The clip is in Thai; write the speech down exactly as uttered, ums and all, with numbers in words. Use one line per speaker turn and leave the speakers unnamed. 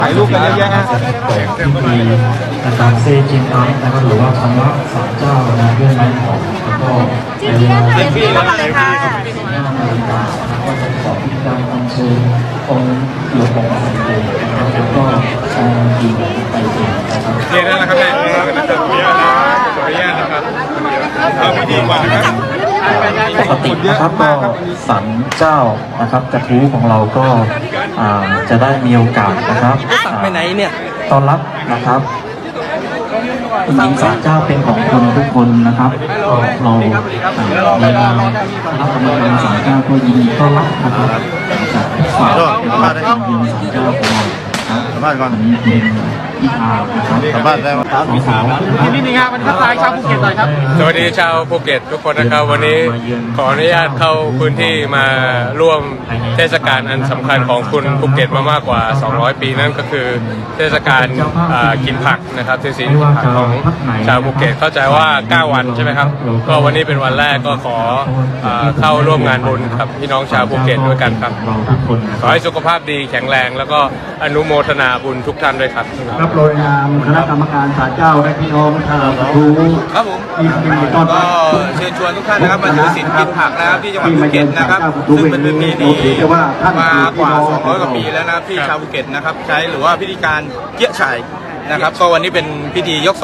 ถ่ายรูปกันเยอะแยะฮะ
เปิดพิธีนะครับเซจินไนท์นะครับหรือว่าคำว่าศาลเจ้านะเรื่องไม้ของแล้วก็ในเวลา
เต็มที่แล้วเลยค่ะ
สิบห้านาฬิกานะครับก็จะขอพิธีการอัญเชิญองค์หลวงปู่สันเดชนะครับแล้วก็องค์ดีไปเองนะครับ
เรียนแล้วนะครับแม่ขออนุญาตนะขออนุญาตนะครับเอาพิธีก่อนนะครับ
ปกตินะครับก็ศาลเจ้านะครับกระทู้ของเราก็อ่าจะได้มีโอกาสนะครับ
ไปไหนเนี่ย
ต้อนรับนะครับจริงๆศาลเจ้าเป็นของคนทุกคนนะครับก็เราในนามคณะกรรมการศาลเจ้าก็ยินดีต้อนรับนะครับจากฝากนะครับทางเยือนศาลเจ้าของเรานะครับวันนี้เป็นอีอาร์นะครับสามารถได้มาครับสาวๆ
นิดนึงครับมันทักทายชาวภูเก็ตหน่อยครับสวัสดีชาวภูเก็ตทุกคนนะครับวันนี้ขออนุญาตเข้าพื้นที่มาร่วมเทศกาลอันสำคัญของคุณภูเก็ตมามากกว่าสองร้อยปีนั่นก็คือเทศกาลกินผักนะครับเทศกาลกินผักของชาวภูเก็ตเข้าใจว่าเก้าวันใช่ไหมครับก็วันนี้เป็นวันแรกก็ขอเข้าร่วมงานบุญกับพี่น้องชาวภูเก็ตด้วยกันครับขอให้สุขภาพดีแข็งแรงแล้วก็อนุโมทนาบุญทุกท่านด้วยครับ
ครับโดยนามคณะกรรมการศาลเจ้าและพี่น้องชาวภู
ครับผม
ที่มีต้อนรับ
ก็เชิญชวนทุกท่านนะครับมาถือศีลกินผักนะครับที่จังหวัดภูเก็ตนะครับซึ่งเป็นประเพณีมากว่าสองร้อยกว่าปีแล้วนะครับที่ชาวภูเก็ตนะครับใช้หรือว่าพิธีการเกี้ยฉ่ายนะครับก็วันนี้เป็นพิธียก